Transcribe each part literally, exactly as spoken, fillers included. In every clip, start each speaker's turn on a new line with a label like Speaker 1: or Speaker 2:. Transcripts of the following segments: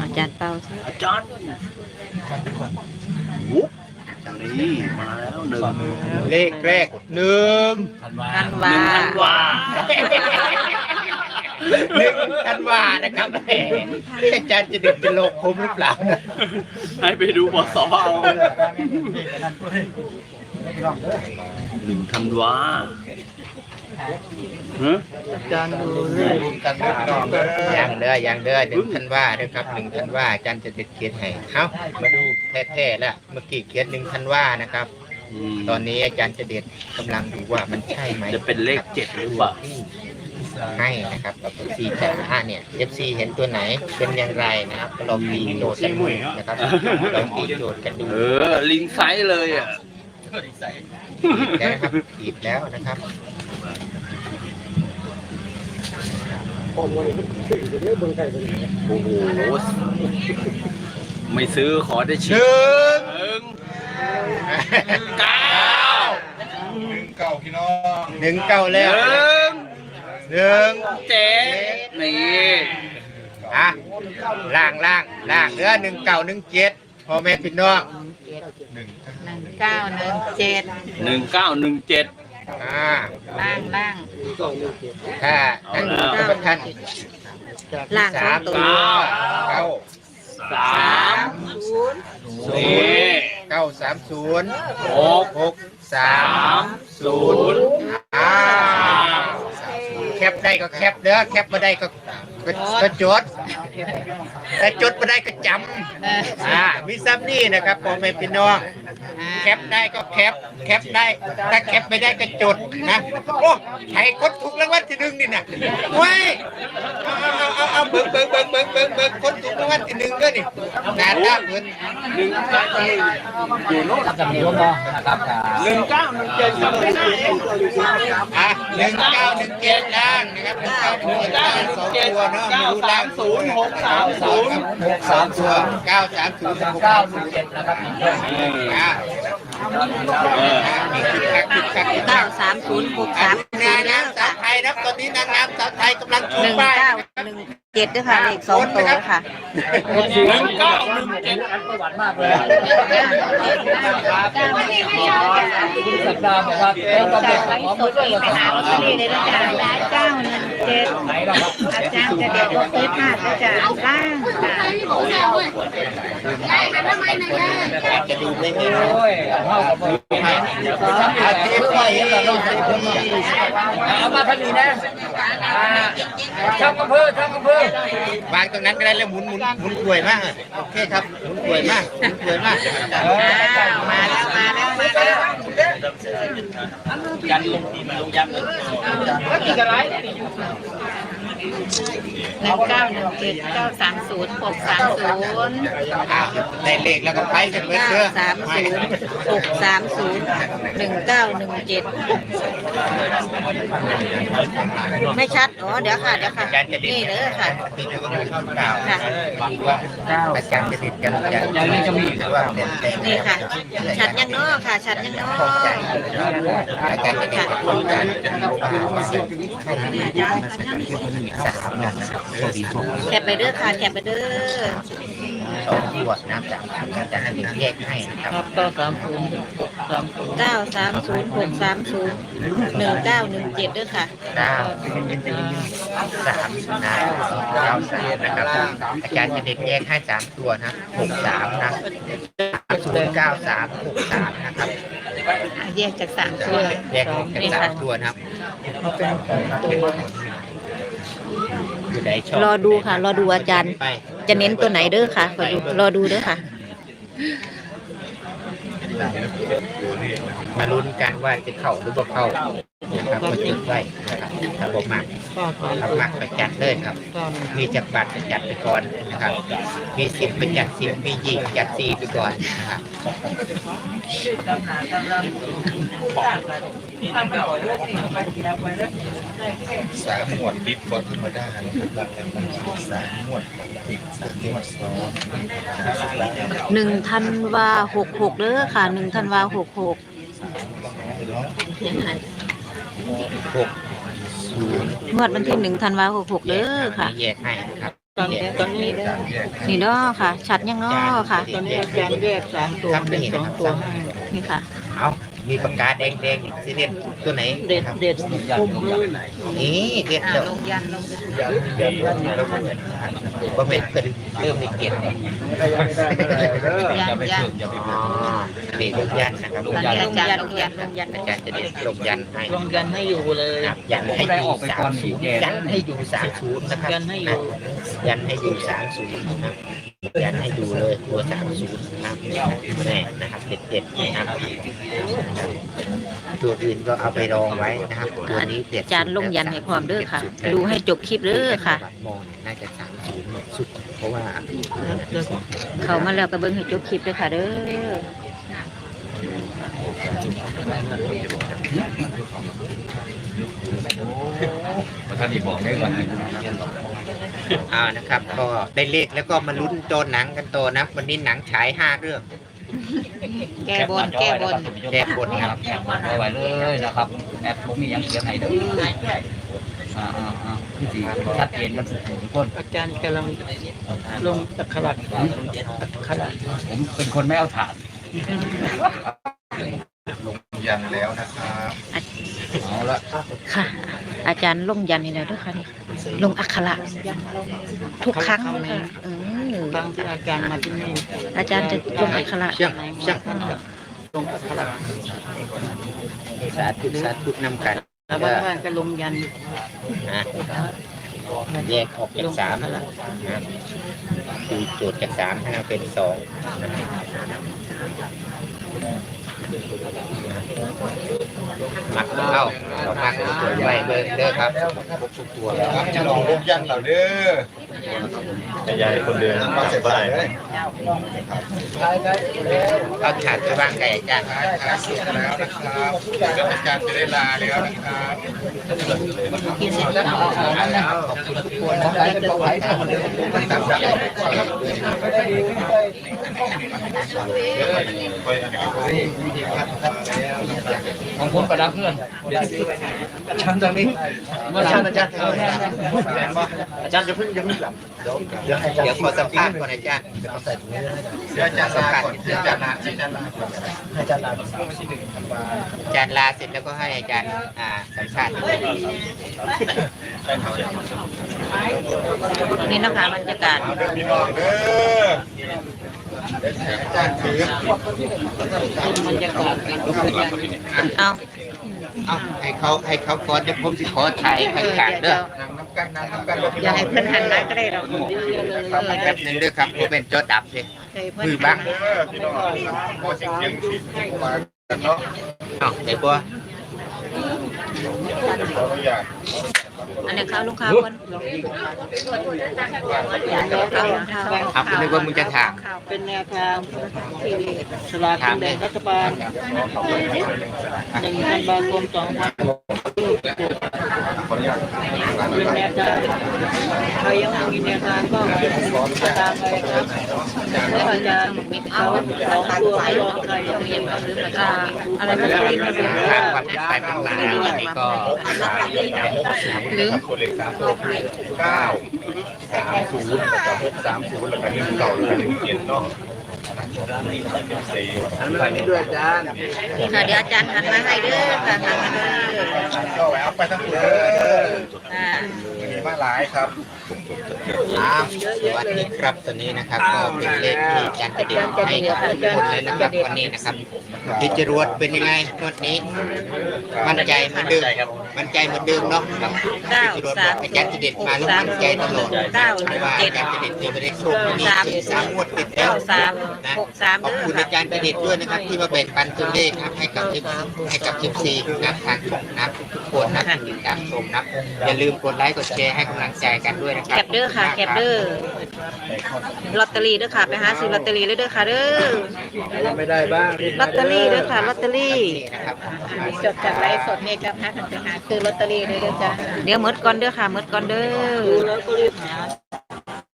Speaker 1: อาจารย์เป้า
Speaker 2: อาจารย์วุ๊บนี่มาแล้วหนึ่ง
Speaker 3: เลขแรกหนึ่ง
Speaker 1: ท่าน
Speaker 2: ห
Speaker 1: ว่า
Speaker 2: นึ่งธันวา
Speaker 3: หนึ่งธันวานะครับแหมอาจารย์จะดึกจะโลกคมหรือเปล่า
Speaker 2: ให้ไปดูบสเอาหนึ่งธันวาฮะ
Speaker 1: อาจารย์ดูเลย
Speaker 3: อย่างเด้ออย่างเด้อหนึ่งธันวาเด้อครับหนึ่งธันวาอาจารย์จะติดเขียนให้เอ้ามาดูแท้ๆแล้วเมื่อกี้เขียนหนึ่งธันวานะครับ
Speaker 2: ม
Speaker 3: ตอนนี้อาจารย์จะเด็ดกำลังดูว่ามันใช่ไหม
Speaker 2: จะเป็นเลขเจ็ดหรือเปล่า
Speaker 3: ให้นะครับกับ เอฟ ซี แต่ละเนี่ย เอฟ ซี เห็นตัวไหนเป็นอย่างไรนะครับก็ลองตีโจทย์กันดูนะครับลองตีโจทย์กันดู
Speaker 2: เออ ลิงไซส์เลยอ่ะ
Speaker 3: แล้วนะครับตีบแล้วนะครับ
Speaker 2: โอ้โห ไม่ซื้อขอได้
Speaker 3: ห
Speaker 2: ชิ้น
Speaker 3: นึ่ง
Speaker 2: หนึ่งเก้า
Speaker 4: เก่าพี่น้อง
Speaker 3: หนึ่งเก้า
Speaker 2: ห
Speaker 3: แล้ว
Speaker 2: นึ่ง
Speaker 3: หนึ่ง
Speaker 2: เจ็ดนี่
Speaker 3: อ่ะล่างล่างล่างเนื้อหนึ่งเก้าหนึ่งเจ็ดพ่อแม่พี่น้อง
Speaker 1: หนึ่งเก้าหนึ่งเจ็ด
Speaker 2: หนึ่งเก้าหนึ่งเจ็ด
Speaker 3: อ่า
Speaker 1: ล่างล่าง
Speaker 3: ถ้านั่นคือท่าน
Speaker 1: ล่าง
Speaker 3: สาม
Speaker 1: ตั
Speaker 3: ตัว วเก้า
Speaker 2: สามนี่
Speaker 3: เก้าสามศูนย์
Speaker 2: หก
Speaker 3: หกสามศูนย์อ่าแคปได้ก็แคปเด้อแคปมาได้ก็ก็ก็จดแต่จดมาได้ก็จำ
Speaker 1: เออ
Speaker 3: อ่ามีซ้ำนี่นะครับพ่อแม่พี่น้องแคปได้ก็แคปแคปได้ถ้าแคปไม่ได้ก็จดนะโอ้ใครกดถูกรางวัลที่หนึ่งนี่นะเว้ยเอาเอาเอาเอาเบิ่งเบิ่งเบิ่งเบิ่งเบิ่งเบิ่งคนถูกรางวัลที่หนึ่งก็นี่งานด้าเงิน
Speaker 2: หนึ่งเก้าอยู่โน่นกับเดียวนะครับหนึ่งเก้าหนึ่งเจ็ดครับ
Speaker 3: อ่ะหนึ่งเก้าหนึ่งเจ็ดล่างนะครับหนึ่งเก้าหนึ่งเจ็ดล่างสองตัวเนาะไม่รู้ล่าง
Speaker 2: ศูนย์หกสามศูนย์
Speaker 3: หกสามตัวเก้าสามศูนย์หกเก้าหนึ่งเจ็ดนะครับอ่านี่คือคักคือคักคือคั
Speaker 1: เก้าก สามศูนย์หกสาม
Speaker 3: นางงามสาวไทยนะครับตอนนี้นางงามสาวไทยกำลังชู
Speaker 1: หนึ่ง
Speaker 3: ป้าย
Speaker 1: เก้าหนึ่งเจ็ดด้วยค่ะเลขสองตัวค่ะ
Speaker 2: หนึ่งเก้าหนึ่งเจ็ด
Speaker 5: สัปดาห์บอกว่าเอ้ยต้องเป็นของมือด้วยว่าสาว
Speaker 1: เก้าหนึ่งเจ็ดอาจารย์จะเด็ดรถซื้อผ้าก็จะล่างค่ะ
Speaker 3: จะดูไม่เห็น
Speaker 5: โอ้ยเข้ากับมือ
Speaker 3: อาทิตย์ไปเห็นเราใส่คนมา
Speaker 5: เอามาพันนี้นะอ่าช่างอำเภอช่างอำเภอ
Speaker 3: วางตรงนั้นก็ได้แล้วหมุนหมุนหมุนกลวยมากโอเคครับหมุนกลวยมากหมุนกลวยมาก
Speaker 1: อ้าวมาแล้วมาแล้วมาแล้ว
Speaker 2: ยันลงทีมลงยันเลย
Speaker 1: หนึ่งเก้าหนึ่งเจ็ดเก้าสามศูนย์หกสามศูนย์
Speaker 3: อ้าวได้เลขแล้วก็ไปกันเบิด
Speaker 1: เก้า
Speaker 3: เด้อ
Speaker 1: สามศูนย์หกสามศูนย์หนึ่งเก้าหนึ่งเจ็ดไม่ชัดอ๋อเดี๋ยวค่ะเดี๋ยวค่ะนี่เด้อค่ะ
Speaker 3: ติดอยู่กับเก่าค่ะว่าอาจารย์จะติดกันอาจารย์จะมีว่าเป็นแต่
Speaker 1: นี่ค่ะ ชัดยังเนาะค่ะ ชัดยังเนาะ
Speaker 3: อาจารย์จะติดกับอาจารย์สามงานนะครับโชคดีโชคดี
Speaker 1: แคปไปเด้อค่ะแคปไปเด้อ
Speaker 3: สองขวดน้ำสามสามอาจารย์ให้แยกให้นะครับ
Speaker 5: เก้าสามศูนย์สามศูนย์
Speaker 1: เก้าสามศูนย์หกสามศูนย์หนึ่งเก้าหนึ่งเจ็ดด้วยค่ะ
Speaker 3: เก้าสามนะเก้าสามนะครับอาจารย์จะเด็กแยกให้สามตัวนะหกสามนะศูนย์เก้าสามหกสามนะครับ
Speaker 1: แยกจากสามตัว
Speaker 3: แยกออกเป็นสามตัวนะครับ
Speaker 5: มาเป็นของตัว
Speaker 3: อยู่ไหนชอบ
Speaker 1: รอดูค่ะ รอดูอาจารย์
Speaker 3: ไป
Speaker 1: จะเน้นตัวไหนเด้อค่ะรอดูรอดูเด้อค่ะ
Speaker 3: มาลุ้นกันว่าจะเข้าหรือบ่เข้านะครับมาจุดไว้นะครับถ้าบ่มากถ้ามากไปจัดเลยครับ มีจักรบัตรไปจัดไปก่อนนะครับ มีสิบไปจัดสิบมียี่จัดสี่ไปก่อนนะครับ
Speaker 4: สามหมวดดิบบทธรรมดานะครับสามหมวดติดสามหมวดซ้อน
Speaker 1: หนึ่งธันวาหกหกเด้อค่ะหนึ่งธันวาหกหก
Speaker 3: หกศูนย์
Speaker 1: งวดวันที่หนึ่งธันวาหกหกเด้อค่ะ
Speaker 3: แยกให้นะครับ
Speaker 1: ตอนนี้ตอนนี้นี่เนาะค่ะ ชัดยังเนาะค่ะ
Speaker 3: ตอนนี้อาจารย์แยกสามตัวเป็นสองตัว
Speaker 1: นี่ค่ะ
Speaker 3: เอามีปากกาแดงๆสีเด็ดตัวไหน
Speaker 2: เด็ดเด็ดคุมเลย
Speaker 3: นี่เด็ด
Speaker 1: อ่า
Speaker 3: เด้อ
Speaker 1: ลงยันลงยัน
Speaker 3: ว่าเป็นเพิ่นเริ่มมีเกียรติ
Speaker 1: ยันยัน
Speaker 3: อ๋อนี่ลงยันนะครับ
Speaker 1: ลงยันลงยันลงยันลงยัน
Speaker 3: อาจารย์จะเด็ดลงยันให้
Speaker 2: ลงยันให้อยู่เลย
Speaker 3: ครับยันให้อยู่สามศูนย์ยันให้อยู่สามศูนย์นะครับ
Speaker 2: ยันให้อยู่
Speaker 3: ยันให้อยู่สามศูนย์นะครับยันให้ดูเลยตัวสามศูนย์นะครับแน่นะครับเด็ดๆนะครับตัวอื่นก็เอาไปรองไว้นะครับตัวนี้เด็ด
Speaker 1: อาจารย์ลงยันให้พร้อมเด้อค่ะ ดูให้จบคลิปเด้อค่ะ
Speaker 3: มองน่าจะสามศูนย์สุดเพราะว่า
Speaker 1: เข้ามาแล้วก็เบิ่งให้จบคลิปเด้อค่ะเด้อ
Speaker 4: ท่านอีบอกได้ก่อน
Speaker 3: อ่านะครับ ก็ได้เลขแล้วก็มาลุ้นโจนหนังกันโตนะวันนี้หนังฉายห้าเรื่อง
Speaker 1: แก้บนแก้บน
Speaker 3: แก้บนครับ
Speaker 5: แคปเอาไว้เลยนะครับแอปผมมียังเขียนให้เด้ออ่าอ่าอ่าที่สี่ชัดเจนกันทุกคน
Speaker 2: อาจารย์กำลังลงตะขลักขลัก
Speaker 5: ผมเป็นคนไม่เอาถ่าน
Speaker 4: ลงยันแล้วนะครับ
Speaker 5: เอาละ
Speaker 1: ค่ะ อาจารย์ลงยันนี่แหละเด้อค่ะนี่ลงอักขระทุกครั้งเลยค่ะเออ
Speaker 2: ครั้งที่อาจารย์มาที่นี่
Speaker 1: อาจารย์จะลงอักขระ
Speaker 3: เชี่ยงเชี่ยง
Speaker 2: ลงตะขลัก
Speaker 3: สาธุสาธุนำกัน
Speaker 2: แล้วบ้านก็ลงยัน
Speaker 3: นะแยกออกจากสามนะคือโจทย์จากสามให้มาเป็นสองมักเข้าเรามักตัวไว้เบอร์เด้อครับทุกตัวแล้ว
Speaker 4: ครับจะลองลงยันเหล่าเด้อยายคนเดินมาเสร็จได้
Speaker 3: เอาถาดไปวางไก่อาจารย์
Speaker 4: ครับเสร็จแล้วนะครับอาจารย์จะได้ลาแล้วนะครับ
Speaker 3: แล้วขอบคุณทุกคนนะครับ
Speaker 5: ของผมประดับเพื่อน
Speaker 2: ชั้นตรงนี้
Speaker 5: เมื่อไหร่อาจารย์
Speaker 2: อาจารย์จะพึ่งจะพึ่งหลับ
Speaker 3: เดี๋ยวขอสัมภาษณ์ก่อนอาจารย์
Speaker 4: เดี๋ยวอาจารย์ลาก่อนเดี๋ยวอาจารย์ลาอาจารย์ลาก่อน
Speaker 2: อาจารย์ลา
Speaker 3: อาจารย์ลาเสร็จแล้วก็ให้อาจารย์อ่าสัมภาษณ์
Speaker 1: นี่นะคะบรรยากาศ
Speaker 4: เอาเด้อพี่น้องเด้ออาจารย์ถือบ
Speaker 2: รรยากาศ
Speaker 1: เอา
Speaker 3: เอาให้เขาให้เขาก่อนจะผมสิขอถ่ายข้างๆเด้อ
Speaker 4: นั่งน้ำกันนั่งน้ำกัน
Speaker 1: อย่าให้เพื่อนหันมาก็ได้หรอก
Speaker 3: แป๊บหนึงเด้อครับผมเป็นจอดับเลย
Speaker 1: เพื่อน
Speaker 3: มือบ้าง
Speaker 4: เด้อพี่น้องพอเสียงเสียงสิมากันเนาะ
Speaker 3: เอ้าได้บ่
Speaker 4: ขออนุญาต
Speaker 1: อันนี้ข้าวลูกค้าคนข้าวข้าว
Speaker 3: ครับนึกว่ามึงจะถาม
Speaker 2: เป็นแนวทางที่สลากกินแบ่งรัฐบาลหนึ่งธันวาคมสองพันเป็นแนวทางใครยังไม่มีแนวทางก็ตามไปครับแล้วอาจารย์เขาสองตัวไม่รอใครยังมีมาหรือมา
Speaker 1: อ่าอะไรไม่รู้
Speaker 3: ทางความเป็นไปเป็นมาวันนี้ก็
Speaker 1: ลืม
Speaker 4: ตัวเลขสามตัวเก้าสามศูนย์กับหกสามศูนย์แล้วก็หนึ่งเก่าแล้วก็หนึ่งเจ็ดเนาะสี่
Speaker 3: ไปนี่ด้วยอาจารย์
Speaker 1: ค่ะเดี๋ยวอาจารย์หันมาให้เด้อค่ะหันมาเด้อ
Speaker 4: ก็แวะไปทั้งเด้อ
Speaker 1: อ่า
Speaker 4: มีมาหลายครับ
Speaker 3: ครับสวัสดีครับตอนนี้นะครับก็เป็นเลขที่อาจารย์จะเดียวให้กับทุกคนเลยนะครับวันนี้นะครับพี่จรวดเป็นยังไงงวดนี้ มั่นใจเหมือนเดิมมั่นใจเหมือนเดิมเนาะ
Speaker 1: เก้า
Speaker 3: พี่จรวดบ
Speaker 1: สา
Speaker 3: อ
Speaker 1: ม
Speaker 3: กอาจารย์จะเด็ดมาแล้วมั่นใจตลอด
Speaker 1: เก้า
Speaker 3: เพราะว่า
Speaker 1: เจ็
Speaker 3: อา
Speaker 1: ด
Speaker 3: จารย์จะเด็ดเนี่ยไม่ได้โชคดีสามงวดติดแล้
Speaker 1: เก้าว สาม
Speaker 3: นะ
Speaker 1: หกสาม
Speaker 3: ขอบ
Speaker 1: เด้อ
Speaker 3: คุณ
Speaker 1: ค่ะ
Speaker 3: อาจารย์จะเด็ดด้วยนะครับ ที่มาแบ่งปันตัวเลขนะครับให้กับให้กับเอฟซีนะครับทางนะครับทุกคนนะที่ติดตามชมนะครับอย่าลืมกดไลค์กดแชร์ให้กำลังใจกันด้วยนะครั
Speaker 1: แคปเด้อค่ะแคปเด้อลอตเตอรี่เด้อค่ะไปหาซื้อลอตเตอรี่เลยเด้อค่ะเด้อ
Speaker 3: ไม่ได้บ้าง
Speaker 1: ลอตเตอรี่เด้อค่ะลอตเตอรี่
Speaker 3: นะครับ
Speaker 1: จดจากไลฟ์สดเนี่ยจะพากันไปหาซื้อลอตเตอรี่เลยเด้อจ้ะเดี๋ยวหมดก่อนเด้อค่ะหมดก่อนเด้อ
Speaker 2: ดูแล้วก็รีบหา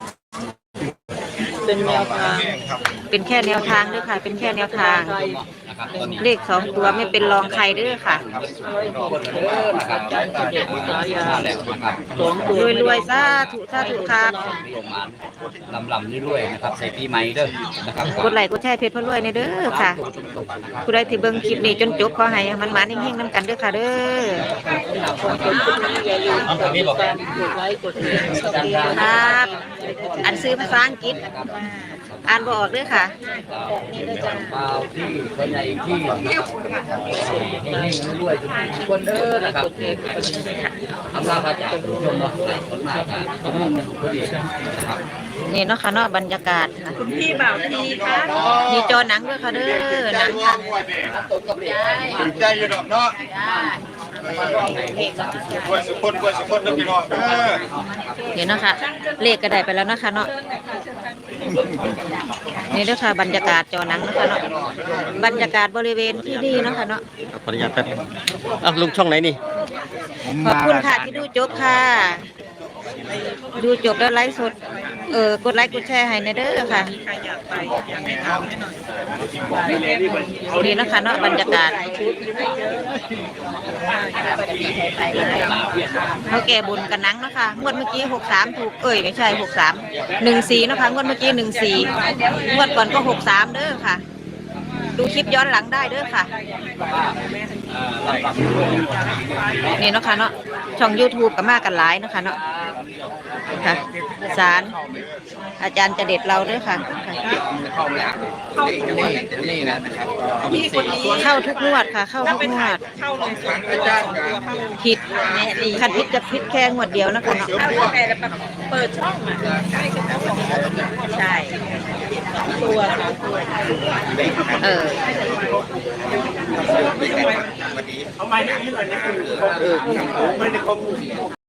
Speaker 2: เป็นแนวทาง
Speaker 1: เป็นแค่แนวทางเด้อค่ะ เป็นแค่แนวทาง
Speaker 2: ไทย
Speaker 5: นะครับตอนนี้
Speaker 1: เลขสองตัวไม่เป็นรองใครเด้อค่ะ
Speaker 5: คนเด้อนะครับใจตาเด็กมาแล้วนะครับ
Speaker 2: สองตัว
Speaker 1: รวยๆสาธุสาธุครับ
Speaker 5: ลงมาลำลำเรื่อยๆนะครับใส่ปีใหม่เด้อนะครับ
Speaker 1: กดไลค์กดแชร์เพจพระรวยในเด้อค่ะผู้ใดที่เบิ่งคลิปนี้จนจบขอให้มันมานิ่งๆนํกันเด้อค่ะเด้อ
Speaker 2: อย่าลืมกดติดตามกดไลค์กดแชร์
Speaker 1: ครับ อันซื้อภาษาอังกฤษอ่านบ่ออกเด้อค่ะ
Speaker 5: เปล่าที่คนใหญ่ที่ให้รวยทุกคนเด้อนะครับทำลาพระจ่าทุกคนเนาะคนมากครับคนนึงคนดีนะครับ
Speaker 1: นี่เนาะค่ะเนาะบรรยากาศค่ะ
Speaker 2: คุณพี่บ่าวทีค่ะ
Speaker 1: มีจอหนังด้วยค่ะเด้อหนังค่ะ
Speaker 3: ถึงใจอยู่ดอกเนาะกล้วยสุกคนกล้วยสุกคนเด้อพี่น้องเออ
Speaker 1: เดี๋ยวนะคะเลขก็ได้ไปแล้วนะคะเนาะนี่เด้อค่ะบรรยากาศจอหนังนะคะเนาะบรรยากาศบริเวณที่นี่เนาะค่ะเนาะ
Speaker 6: ขออนุญาตแป๊บอ่ะลุงช่องไหนนี่
Speaker 1: ขอบคุณค่ะที่ดูจบค่ะ ดูจบแล้วไลฟ์สดเออกดไลค์กดแชร์ให้ในเด้อค่ะนี่นะคะเนาะบรรยากาศเขาแก่บุญกันนังเนาะค่ะงวดเมื่อกี้หกสามถูกเอ้ยไม่ใช่หกสามหนึ่งสี่เนาะค่ะงวดเมื่อกี้หนึ่งสี่งวดก่อนก็หกสามเด้อค่ะ ดูคลิปย้อนหลังได้เด้อค่ะนี่เนาะค่ะเนาะช่อง YouTube กับมากันหลายเนาะค่ะเนาะค่ะสารอาจารย์จะเด็ดเราเด้อค่ะเข้าทุกงวดค่ะ เข้าทุกงวดผิดคันผิดจะผิดแค่งวดเดียวนะคะเนาะ
Speaker 2: เปิดช่องอ่ะใช่ตัวตัว
Speaker 1: เออ
Speaker 3: เอาไม้นี่ให้หน่อยนะคือไม่ได้ครบ